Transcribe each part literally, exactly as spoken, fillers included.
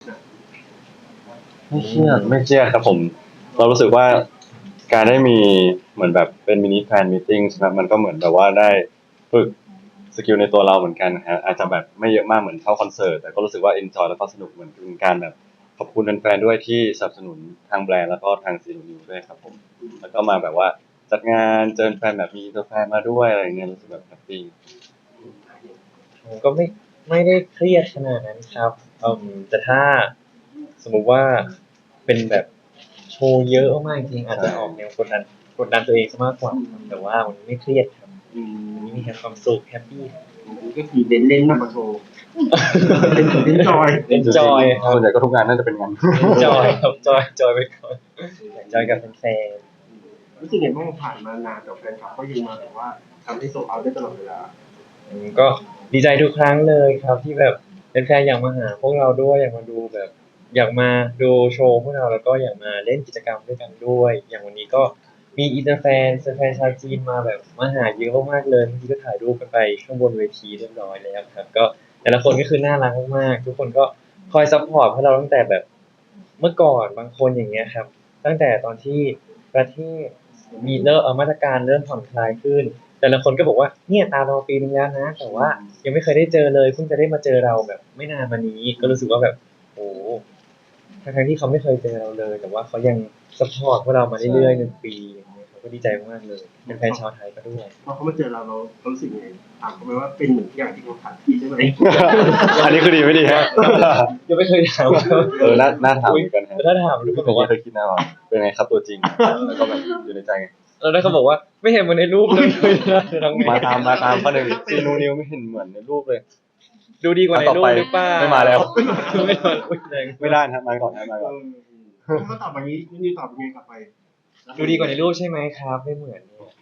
ไม่เครียดไม่เครียดครับผมเรารู้สึกว่าการได้มีเหมือนแบบเป็นมินิแฟนมีตติ้งนะมันก็เหมือนแบบว่าได้ฝึกสกิลในตัวเราเหมือนกันนะฮะอาจจะแบบไม่เยอะมากเหมือนเข้าคอนเสิร์ตแต่ก็รู้สึกว่าเอนจอยแล้วก็สนุกเหมือนเป็นการแบบขอบคุณแฟนๆด้วยที่สนับสนุนทางแบรนด์แล้วก็ทางซีนูนิวด้วยครับผมแล้วก็มาแบบว่าจัดงานเจอแฟนแบบมีตัวแฟนมาด้วยอะไรเงี้ยรู้สึกแบบแฮปปี้ผมก็ไม่ไม่ได้เครียดขนาดนั้นครับอืมแต่ถ้าสมมุติว่าเป็นแบบโชว์เยอะมากจริงๆอาจจะออกแนวกดดันกดดันตัวเองซะมากกว่าครับแต่ว่าวันนี้ไม่เครียดครับอืมวันนี้มีแค่ความสุขแฮปปี้ก็คือเน้นเล่นมากกว่าโชว์เล่นเล่นจอยเอนจอยครับส่วนใหญ่ก็ทุกงานน่าจะเป็นงานเอนจอยครับจอยจอยไปก่อนจอยกับแฟนรู้สึกไงบ้างผ่านมานานแต่แฟนคลับก็ยังมาแบบว่าทำให้โซลเอาท์ได้ตลอดเวลาๆอืมก็ดีใจทุกครั้งเลยครับที่แบบแฟนๆอยากมาหาพวกเราด้วยอยากมาดูแบบ อยากมาดูโชว์พวกเราแล้วก็อยากมาเล่นกิจกรรมด้วยกันด้วย อย่างวันนี้ก็มีอินเตอร์แฟนแฟนชาวจีนมาแบบมาหาเยอะมากๆเลยเมื่อกี้ก็ถ่ายรูปกันไปข้างบนเวทีเรียบร้อยแล้วครับก็แต่ละคนก็คือน่ารักมากๆทุกคนก็คอยซัพพอร์ตพวกเราตั้งแต่แบบเมื่อก่อนบางคนอย่างเงี้ยครับตั้งแต่ตอนที่ประเทศมีเริ่มเอ่อมาตรการเริ่มผ่อนคลายขึ้น แต่ละคนก็บอกว่าเนี่ยตามเราปีนึงแล้วนะแต่ว่ายังไม่เคยได้เจอเลยเพิ่งจะได้มาเจอเราแบบไม่นานมานี้ก็รู้สึกว่าแบบโอ้ทั้งๆที่เขาไม่เคยเจอเราเลย แต่ว่าเขายังซัพพอร์ตพวกเรามาเรื่อยๆหนึ่งปีอย่างเงี้ยเขาก็ดีใจมากๆเลยเป็นแฟนชาวไทยก็ด้วยพอเขามาเจอเราเราเรารู้สึกยังไงถามเขาไหมว่าเป็นเหมือนอย่างที่เขาถามพี่ใช่ไหมอันนี้คือดีไม่ดีฮะยังไม่เคยถามเออน่าน่าถามเหมือนกันฮะแต่ถ้าถามทุกคนบอกว่าเคยคิดนะว่าเป็นไงครับตัวจริงแล้วก็แบบอยู่ในใจไงแล้วถ้าเขาบอกว่าไม่เห็นเหมือนในรูปเลยจะทำไงมาตามมาตามข้อหนึ่งซีนูนิวไม่เห็นเหมือนในรูปเลยดูดีกว่าในต่อรูปไปหรือเปล่าไม่มาแล้วไม่มาอุ๊ยแรงไม่ได้นะมาก่อนนะมาก่อนถ้าเขาตอบแบบนี้นี่ตอบยังไงกลับไปดูดีกว่าในรูปใช่ไหมครับ ไม่เหมือนเนี่ย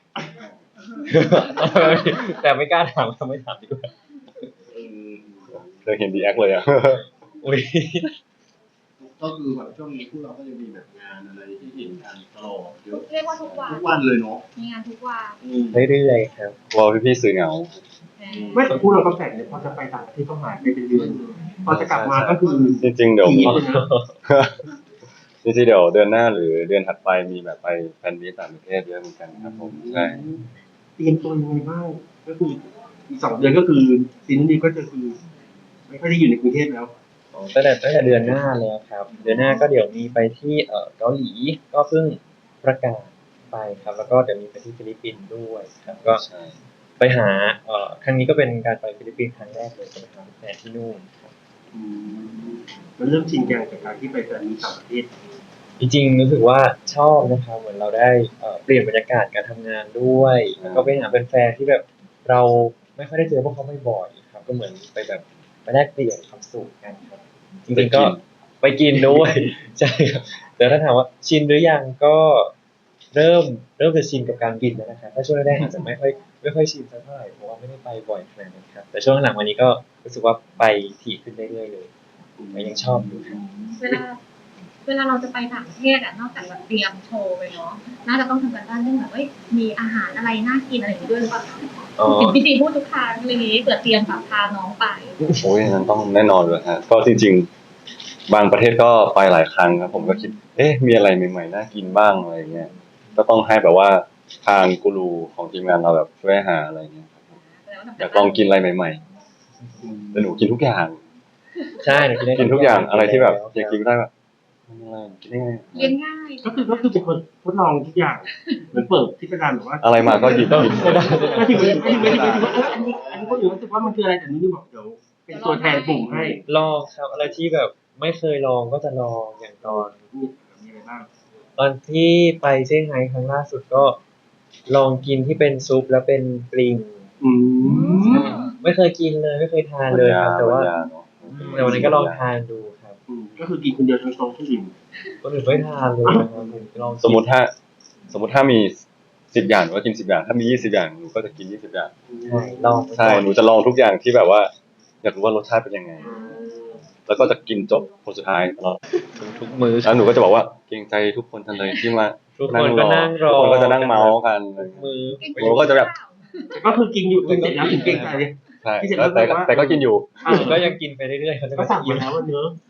แต่ไม่กล้าถามทำไม่ถามดีกว่าเคยเห็นดีแอคเลยอ่ะอุ้ยก็คือแบบช่วงนี้พวกเราก็จะมีแบบงานอะไรที่เห็นกันตลอดเยอะเรียกว่าทุกวันทุกวันเลยเนาะมีงานทุกวันเรื่อยๆครับกลัวพี่ๆสื่อเหงาไม่แต่พูดเราก็แปลกเนี่ยพอจะไปต่างประเทศก็หายไปเป็นเดือนพอจะกลับมาก็คือจริงๆเดี๋ยวปีเลยนะจริงๆเดี๋ยวเดือนหน้าหรือเดือนถัดไปมีแบบไปแฟนมีตต่างประเทศเยอะเหมือนกันครับผมใช่เตรียมตัวยังไงบ้างก็คืออีกสองเดือนก็คือซีนนี้ก็จะคือไม่ค่อยได้อยู่ในกรุงเทพแล้วตั้งแต่ตั้งแต่เดือนหน้าแล้วครับ เดือนหน้าก็เดี๋ยวมีไปที่เอ่อเกาหลีก็เพิ่งประกาศไปครับ แล้วก็เดี๋ยวมีไปที่ฟิลิปปินส์ด้วยครับ ก็ใช่ไปหาเอ่อครั้งนี้ก็เป็นการไปฟิลิปปินส์ครั้งแรกเลยจะไปหาแฟนที่นู่นครับอืมมันเริ่มชินจังกับการที่ไปแต่มีต่างประเทศจริงๆรู้สึกว่าชอบนะครับเหมือนเราได้เอ่อเปลี่ยนบรรยากาศการทำงานด้วยแล้วก็ไปหาแฟนๆที่แบบเราไม่ค่อยได้เจอพวกเขาบ่อยๆครับก็เหมือนไปแบบไปแลกเปลี่ยนความสุขกันครับจริงๆก็ไปกินด้วย ใช่ครับแต่ถ้าถามว่าชินหรือยังก็เริ่มเริ่มจะชินกับการบินแล้วนะครับถ้าช่วงแรกๆอาจจะไม่ค่อยไม่ค่อยชินสักเท่าไหร่เพราะว่าไม่ได้ไปบ่อยขนาดนั้นครับแต่ช่วงหลังวันนี้ก็รู้สึกว่าไปถี่ขึ้นเรื่อยๆเลยแต่ยังชอบอยู่ครับเวลาเวลาเราจะไปต่างประเทศอ่ะนอกจากแบบเตรียมโชว์ไปเนาะน่าจะต้องทำกันบ้านเรื่องแบบเอ้ยมีอาหารอะไรน่ากินอะไรอย่างนี้ด้วยหรือเปล่าอ๋อเห็นพี่จีพูดทุกครั้งอะไรอย่างนี้เผื่อเตรียมแบบพาน้องไปโอ้ยนั้นต้องแน่นอนเลยฮะก็จริงๆ บางประเทศก็ไปหลายครั้งครับผมก็คิด เอ๊ะมีอะไรใหม่ๆน่ากินบ้างอะไรเงี้ยก็ต้องให้แบบว่าทางกูรูของทีมงานเราแบบช่วยหาอะไรเงี้ยครับผมอยากลองกินอะไรใหม่ๆแต่หนูกินทุกอย่างใช่หนูกินได้กินทุกอย่างอะไรที่แบบอยากกินก็ได้แบบอะไรกินได้ไงเรียนง่ายก็คือก็คือเป็นคนทดลองทุกอย่างเหมือนเปิดที่เป็นร้านแบบว่าอะไรมาก็หยิบหยิบไม่ได้ก็ที่ไม่ไม่ไม่ไม่ว่าอันนี้อันนี้ก็อยู่รู้สึกว่ามันคืออะไรแต่นี้นี่บอกเดี๋ยวเป็นตัวแทนกลุ่มให้ลองครับอะไรที่แบบไม่เคยลองก็จะลองอย่างตอนมีมีอะไรบ้างตอนที่ไปเซี่ยงไฮ้ครั้งล่าสุดก็ลองกินที่เป็นซุปแล้วเป็นปลิงอืมไม่เคยกินเลยไม่เคยทานเลยครับแต่ว่าปัญญเนอะแต่วันนั้นก็ลองทานดูครับอืมก็คือกินคนเดียวทั้งโต๊ะทุกอิ่มคนอื่นไม่ทานเลยนะครับผมลองกินสมมติถ้า สมมติถ้ามีสิบอย่างหนูก็กินสิบอย่าง ถ้ามียี่สิบอย่างหนูก็จะกินยี่สิบอย่างใช่ลองใช่หนูจะลองทุกอย่างที่แบบว่า อยากรู้ว่ารสชาติเป็นยังไง แล้วก็จะกินจบคนสุดท้ายตลอดทุกมื้อแล้วหนูก็จะบอกว่าเกรงใจทุกคนจังเลยที่มาทุกคนก็นั่งรอทุกคนก็จะนั่งเมาส์กันทุกมื้อหนูก็จะแบบก็คือกินอยู่กินเสร็จแล้วถึงเกรงใจใช่แล้วแต่ก็แต่ก็กินอยู่อ่าก็ยังกินไปเรื่อยๆเขาจะก็ไม่สั่งอิ่มาม แล้วว่าเนื้อะ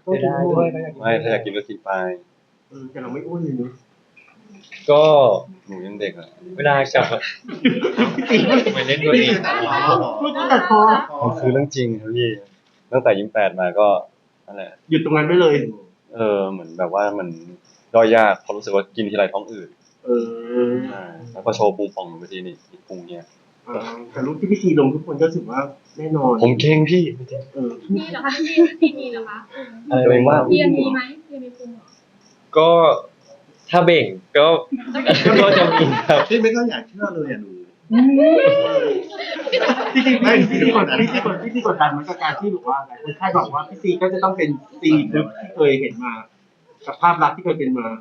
ต้องเสียกินดายหมด้วยดก็อยากกินไม่ถ้าอยากกินก็กินไปเออแต่เราไม่อ้วนเลยเนอะก็หนูยังเด็กอะเวลากลับมาทำไมเล่นตัวเองไม่ต้องตัดคอมันคือเรื่องจริงครับพี่ตั้งแต่ยี่สิบแปดมาก็นั่นแหละหยุดตรงนั้นไปเลยเออเหมือนแบบว่ามันย่อยยากเพราะรู้สึกว่ากินทีไรท้องอืดเออใช่แล้วก็โชว์พุงป่องบางทีนี่อีกพุงเนี่ยเออแต่รูปที่พี่ซีลงทุกคนก็รู้สึกว่าแน่นอนผมเก่งพี่เออมีเหรอคะพี่พี่มีเหรอคะอะไรตัวเองว่าเรียนมีไหมเรียนมีภูมิเหรอก็ถ้าเบ่งก็ก็จะมีครับพี่ไม่ก็อยากเชื่อเลยอ่ะหนูจริงๆพี่ซีกดพี่ซีกดพี่ซีกดดันเหมือนกับการที่บอกว่าหลายคนคาดหวังว่าพี่ซีก็จะต้องเป็นซีทึบที่เคยเห็นมากับภาพลักษณ์ที่เคยเป็นมา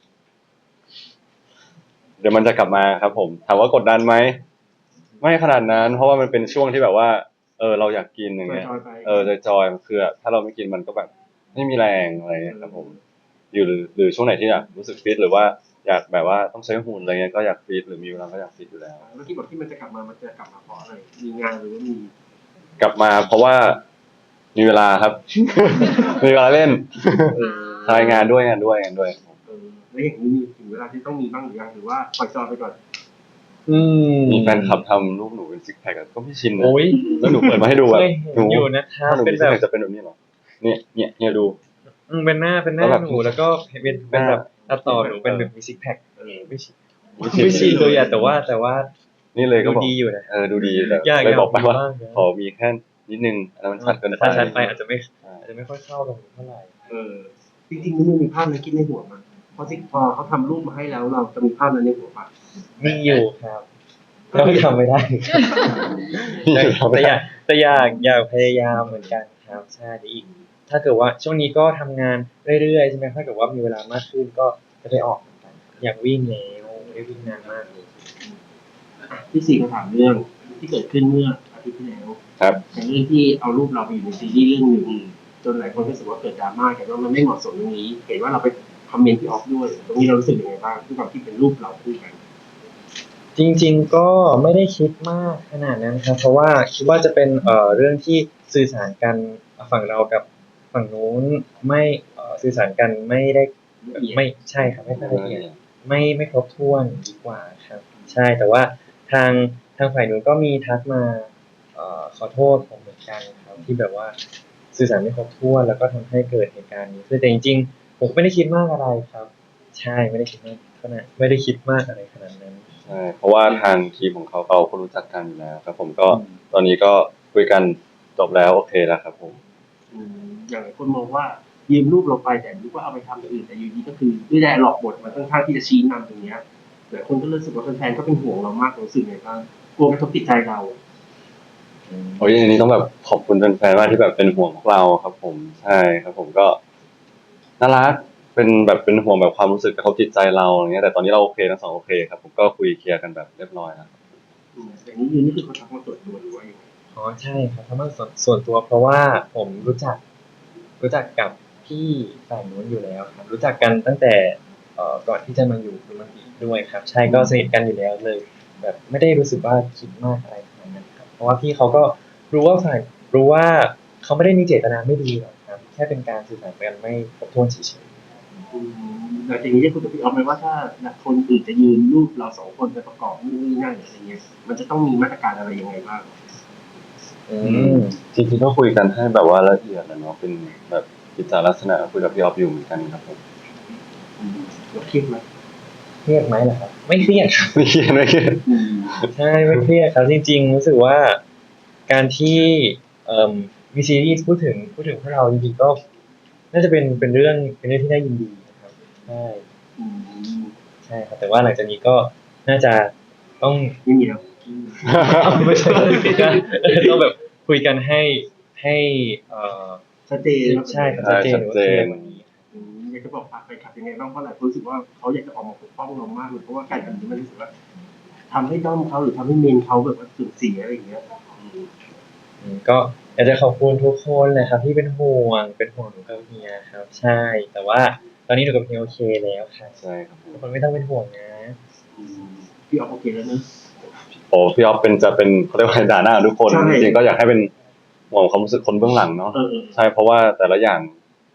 เดี๋ยวมันจะกลับมาครับผมถามว่ากดดันไหมไม่ขนาดนั้น เพราะว่ามันเป็นช่วงที่แบบว่า เออเราอยากกินอย่างเงี้ยจอยๆไปเออจอยๆมันคือถ้าเราไม่กินมันก็แบบไม่มีแรงอะไรเงี้ยครับผมอยู่หรือหรือช่วงไหนที่อยากรู้สึกฟิตหรือว่าอยากแบบว่าต้องใช้หุ่นอะไรเงี้ยก็อยากฟิตหรือมีเวลาก็อยากฟิตอยู่แล้วแล้วที่บอกที่มันจะกลับมามันจะกลับมาเพราะอะไรมีงานหรือว่ามีกลับมาเพราะว่ามีเวลาครับ มีเวลาเล่นทายงานด้วยงานด้วยงานด้วยเออแล้วอย่างนี้มีถึงเวลาที่ต้องมีบ้างหรือยังหรือว่าปล่อยจอยไปก่อนอืมมีแฟนคลับทำรูปหนูเป็นซิกแพคก็ไม่ชินนะโอ้ยแล้วหนูเปิดมาให้ดูแบบเคยเห็นหนูอยู่นะครับถ้าหนูเป็มีนซิกแบบแพคจะเป็นแบบนี้เหรอเนี่ยเนี่ยเนี่ยดูอืมเป็นหน้าเป็นหน้าแล้วแบบหนูแล้วก็เป็นเป็นแบบตัดต่อหนูเป็นแบบมีซิกแพคเออไม่ชิไม่ชินเลยอะแต่ว่าแต่ว่านี่เลยก็ดูบอกดีอยู่นะเออดูดีแต่อยากเลยบอกไปว่าอยากมีบ้างนะขอมีแค่นิดนึงอันนั้นมันชัดเกินไปถ้าชัดไปอาจจะไม่อ่าอาจจะไม่ค่อยเข้ากับหนูเท่าไหร่เออจริงๆมันมีภาพนั้นคิดในหัวมันเพราะที่พอเขาทำรูปมาให้แล้วเราจะมีภาพนั้นในหัวปะมีอยู่ครับแล้วทำไม่ได้นี่แต่คือทำแต่ไม่อได้ยากแต่อยากอยากพยายามเหมือนกันครับใช่เดี๋ยวอีก ถ้าเกิดว่าช่วงนี้ก็ทำงานเรื่อยๆใช่ไหมถ้าเกิดว่ามีเวลามากขึ้นก็จะไปออกเหมือนกันอยากวิ่งแล้วไม่ได้วิ่งนานมากเลยที่สี่คำถามเรื่องที่เกิดขึ้นเมื่ออาทิตย์ที่แล้วครับอย่างเรื่องที่เอารูปเราไปอยู่ในซีรีส์เรื่องหนึ่งจนหลายคนรู้สึกว่าเกิดดราม่ากันว่ามันไม่เหมาะสมตรงนี้ เห็นว่าเราไปคอมเมนต์ที่ออฟด้วยตรงนี้เรารู้สึกยังไงบ้างที่ความที่เป็นรูปเราคู่กันจริงๆก็ไม่ได้คิดมากขนาดนั้นครับ เพราะว่าคิดว่าจะเป็นเอ่อเรื่องที่สื่อสารกันฝั่งเรากับฝั่งนู้นไม่เอ่อสื่อสารกันไม่ได้ไม่ใช่ครับไม่ค่อยละเอียด ไม่ไม่ครบถ้วนดีกว่าครับ ใช่แต่ว่าทางทางฝ่ายนู้นก็มีทักมาเอ่อขอโทษผมเหมือนกันครับที่แบบว่าสื่อสารไม่ครบถ้วนแล้วก็ทำให้เกิดเหตุการณ์นี้คือแต่จริงๆผมก็ไม่ได้คิดมากอะไรครับ ใช่ไม่ได้คิดมากขนาดไม่ได้คิดมากอะไรขนาดนั้นใช่เพราะว่าทางทีมของเขาเราก็รู้จักกันอยู่แล้วครับ ผมก็ตอนนี้ก็คุยกันจบแล้วโอเคแล้วครับผมอืมอย่างหลายคนมองว่ายืมรูปเราไปแต่รู้ว่าเอาไปทำอย่างอื่นแต่อยู่ดีก็คือด้วยแรงหลอกบทมันค่อนข้างที่จะชี้นำตรงเนี้ยหลายคนก็รู้สึกว่าแฟนๆก็เป็นห่วงเรามากรู้สึกไงบ้างกลัวกระทบจิตใจเราโอ้ยอันนี้ต้องแบบขอบคุณแฟนๆมากที่แบบเป็นห่วงพวกเราครับ ผมใช่ครับ ผมก็น่ารักเป็นแบบเป็นห่วงแบบความรู้สึกกระทบจิตใจเราอย่างเงี้ยแต่ตอนนี้เราโอเคทั้งสองโอเคครับผมก็คุยเคลียร์กันแบบเรียบร้อยแล้วอืมอย่างนี้ยืนนี่คือเขาทักมาส่วนตัวหรือว่ายังไงอ๋อใช่ครับเพราะมันส่วนส่วนตัวเพราะว่าผมรู้จัก รู้จักกับพี่ฝ่ายนู้นอยู่แล้วครับ รู้จักกันตั้งแต่เอ่อก่อนที่จะมาอยู่คุณมันดีด้วยครับ ใช่ก็สนิทกันอยู่แล้วเลย แบบไม่ได้รู้สึกว่าคิดมากอะไรขนาดนั้นครับ เพราะว่าพี่เขาก็รู้ว่าฝ่ายรู้ว่าเขาไม่ได้มีเจตนาไม่ดีหรอกครับ แค่เป็นการสื่อสารกันไม่ครบถ้วนเฉยอืมหลังจากนี้ได้คุยกับพี่ออฟไหมว่าถ้าคนอื่นจะยืนรูปเราสองคนไปประกอบนู่นนี่นั่นอะไรเงี้ยมันจะต้องมีมาตรการอะไรยังไงบ้างๆอืมจริงๆก็คุยกันให้แบบว่าละเอียดนะเนาะเป็นแบบกิจลักษณะคุยกับพี่ออฟอยู่เหมือนกันครับผมอืมเราเครียดไหมเครียดไหมล่ะครับ ไม่เครียดครับไม่เครียดไม่เครียดอืมใช่ไม่เครียดครับจริงๆรู้สึกว่าการที่เอ่อมีซีรีส์พูดถึงพูดถึงพวกเราจริงๆก็ น่าจะเป็นเป็นเรื่องเป็นเรื่องที่น่ายินดีนะครับใช่อืมใช่ครับแต่ว่าหลังจากนี้ก็น่าจะต้องไม่มีแล้วไม่ใช่ต้องแบบคุยกันให้ให้เอ่อชัดเจนแล้วใช่ครับชัดเจนหรือว่าเคลียร์กว่านี้อืมอยากจะบอกฝากไปขับยังไงบ้างเพราะหลายคนรู้สึกว่าเขาอยากจะออกมาปกป้องเรามากเลยเพราะว่าการทำนี้มันรู้สึกว่าทำให้ด้อมเขาหรือทำให้เมนเขาแบบว่าสูญเสียอะไรอย่างเงี้ยอืมอืมก็อยากจะขอบคุณทุกคนเลยครับที่เป็นห่วงเป็นห่วงหนูกับเฮียครับ ใช่ แต่ว่าตอนนี้หนูกับเฮียโอเคแล้วครับใช่ครับผมทุกคนไม่ต้องเป็นห่วงนะอืมพี่ออฟโอเคแล้วเนอะโอ้พี่ออฟเป็นจะเป็นเขาเรียกว่าด่าหน้าทุกคนใช่จริงๆก็อยากให้เป็นห่วงความรู้สึกคนเบื้องหลังเนาะเออเออใช่เพราะว่าแต่ละอย่าง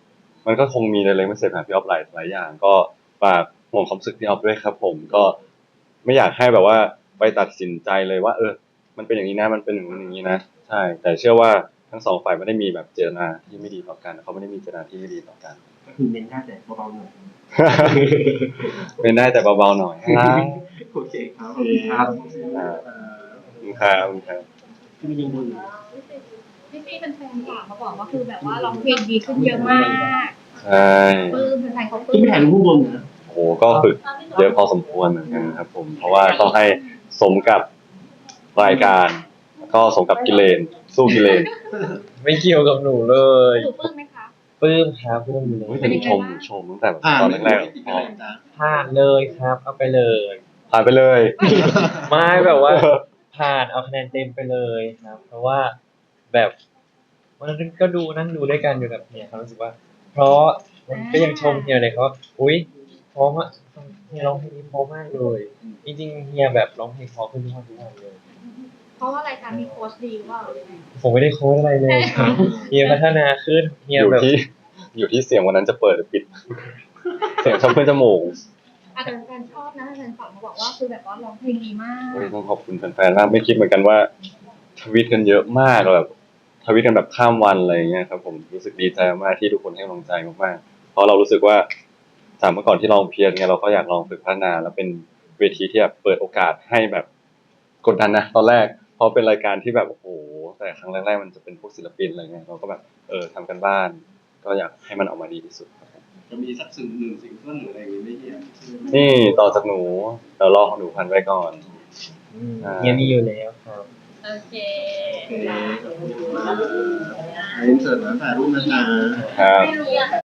มันก็คงมีเลยไม่เสร็จหาพี่ออฟหลายหลายอย่าง ก็ฝากห่วงความรู้สึกพี่ออฟด้วยครับ ผมก็ไม่อยากให้แบบว่าไปตัดสินใจเลยว่า เออ มันเป็นอย่างนี้นะมันเป็นอย่างนู้นอย่างนี้นะใช่ แต่เชื่อว่าทั้งสองฝ่ายไม่ได้มีแบบเจตนาที่ไม่ดีต่อกันเขาไม่ได้มีเจตนาที่ไม่ดีต่อกันก็คือเน้นได้แต่เบาๆหน่อยเป็นได้แต่เบาๆหน่อยนะโอเคครับขอบคุณครับอ่าขอบคุณครับขอบคุณครับที่มียังดูอยู่พี่ซีเป็นแฟนๆฝากมาบอกว่าคือแบบว่าร้องเพลงดีขึ้นเยอะมากใช่ปลื้มแฟนๆเขาปลื้ที่มไม่ถ่ายรูปข้างบนนะโอ้โหก็ฝึกเยอะพอสมควรเหมือนกันครับผม เพราะว่าต้องให้สมกับรายการ ก็สมกับกิเลน สู้กิเลนไม่เกี่ยวกับหนูเลยหนูปลื้มไหมคะปลื้มครับปลื้มอยู่เลเฮ้ยยแต่นี่ชมชมตั้งแต่แบบผ่านตอนไม่แรกไม่ติดๆอะพไรอจ้ะผ่านเลยครับ เอาไปเลยผ่านไปเลยไม่แบบว่า ผ่านเอาคะแนนเต็มไปเลยครับ เพราะว่าแบบวันนั้นก็ดูนั่งดูด้วยกันอยู่กับเฮียเขารู้สึกว่า เพราะมันก็ยังชมเฮียเลยเขาว่าอุ๊ยเพราะว่าเฮียร้องเพลงนี้เพราะมากเลย จริงๆเฮียแบบร้องเพลงเพราะขึ้นทุกวันทุกวันเลยเพราะว่ารายการมีโค้ชดีว่าผมไม่ได้โค้ชอะไรเลยครับเฮียพัฒนาขึ้นเฮีอย ยู่แบบที่ อยู่ที่เสียงวันนั้นจะเปิดหรือปิด เสียงชอบขึ้นจมูกอาจจะแฟนชอบนะแฟนฝากมาบอกว่าคือแบบว่าร้องเพลงดีมากโอ้ยต้องขอบคุณแฟนๆมากไม่คิดเหมือนกันว่าทวีตกันเยอะมากแบบทวีตกันแบบข้ามวันอะไรอย่างเงี้ยครับผมรู้สึกดีใจมากที่ทุกคนให้กำลังใจมากๆเพราะเรารู้สึกว่าจากเมื่อก่อนที่ลองเพียรเนี่ยเราก็อยากลองฝึกพัฒนา แล้วเป็นเวทีที่แบบเปิดโอกาสให้แบบกดดันนะตอนแรกเพราะเป็นรายการที่แบบโอ้โหแต่ครั้งแรกๆมันจะเป็นพวกศิลปินอะไรเงี้ยเราก็แบบเออทำกันบ้าน ก็อยากให้มันออกมาดีที่สุดครับผมจะมีสักสิ่งหนึ่งสิ่งเพื่อนหรืออะไรอย่างงี้ไม่เฮียนี่ต่อจากหนูเดี๋ยวรอของหนูพันไว้ก่อนอืมเฮียมีอยู่แล้วครับโอเคโอเคขอบคุณมากเรียนเสร็จแล้วถ่ายรูปนะจ๊ะครับไม่รู้อะ